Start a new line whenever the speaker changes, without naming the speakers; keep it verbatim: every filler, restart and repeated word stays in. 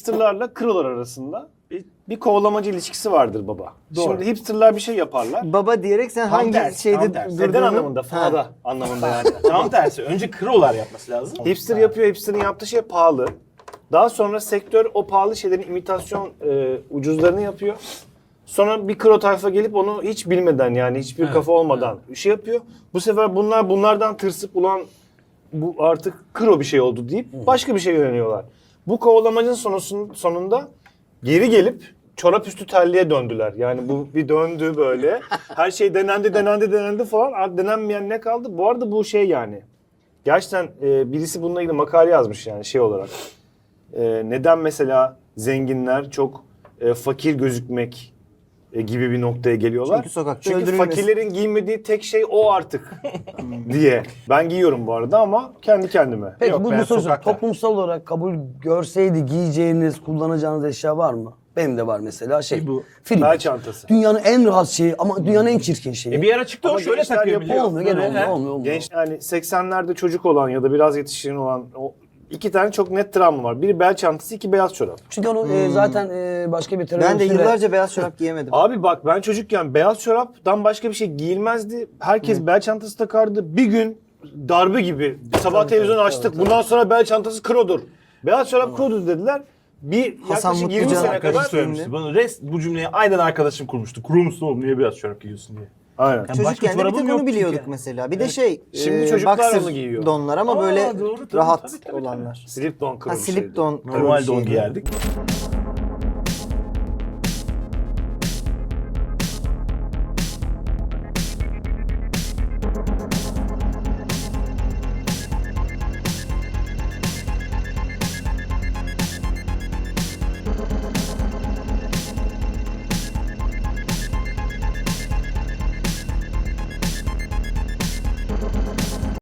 hipsterlarla krolar arasında bir, bir kovalamacı ilişkisi vardır baba.
Doğru.
Şimdi hipsterlar bir şey yaparlar.
Baba diyerek sen
Tam
hangi
tersi,
şeyde
tam tersi.
Neden
durduğunu...
anlamında? Fada anlamında yani.
Tam tersi. Önce krolar yapması lazım.
Hipster yapıyor, hipster'ın yaptığı şey pahalı. Daha sonra sektör o pahalı şeylerin imitasyon e, ucuzlarını yapıyor. Sonra bir kro tayfa gelip onu hiç bilmeden yani hiçbir
Evet,
kafa olmadan bir şey yapıyor. Bu sefer bunlar bunlardan tırsıp ulan bu artık kro bir şey oldu deyip başka bir şey yöneliyorlar. Bu kovalamacın sonusun, sonunda geri gelip çorap üstü terliğe döndüler. Yani bu bir döndü böyle. Her şey denendi, denendi, denendi falan. Artık denenmeyen ne kaldı? Bu arada bu şey yani. Gerçekten e, birisi bununla ilgili makale yazmış yani şey olarak. E, neden mesela zenginler çok e, fakir gözükmek e, gibi bir noktaya geliyorlar?
Çünkü sokakta
Çünkü
öldürülmesi.
fakirlerin giymediği tek şey o artık diye. Ben giyiyorum bu arada ama kendi kendime.
Peki
Yok
bu,
be,
bu soru
sokakta.
toplumsal olarak kabul görseydi giyeceğiniz, kullanacağınız eşya var mı? Benim de var mesela şey.
Bu
Film.
Bel çantası.
Dünyanın en rahat şeyi ama dünyanın en çirkin şeyi.
E bir ara çıktı o
Ama
şöyle
gençler
takıyor
yapıyor.
biliyor
olmuyor, gene
Böyle,
olmuyor,
he?
olmuyor, olmuyor.
Genç yani seksenlerde çocuk olan ya da biraz yetişkin olan o iki tane çok net travma var. Biri bel çantası, iki beyaz çorap.
Çünkü onu e, zaten e, başka bir
Ben de
teröristüyle-
yıllarca beyaz çorap giyemedim.
Abi bak ben çocukken beyaz çoraptan başka bir şey giyilmezdi. Herkes bel çantası takardı. Bir gün darbe gibi sabah televizyonu açtık. Bundan sonra bel çantası krodur. Beyaz çorap krodur dediler. Bir
Hasan
yaklaşık yirmi
Mutlucan
sene
Arkadaşım
kadar.
söylemişti. Bana rest bu cümleyi aynen arkadaşım kurmuştu. Kuru musun oğlum niye beyaz çorap giyiyorsun diye.
Aynen.
Yani başka
Çocukken de bir
çorabım
tek
yok
onu biliyorduk
çünkü.
mesela. Bir de şey,
Şimdi
e,
çocuklar
boxer
onu giyiyor.
donlar ama
Aa,
böyle
doğru, tabii,
rahat
tabii, tabii,
olanlar.
Slip don
Ha
krodu
slip
şeydi.
don.
Normal
şeydi.
don giyerdik.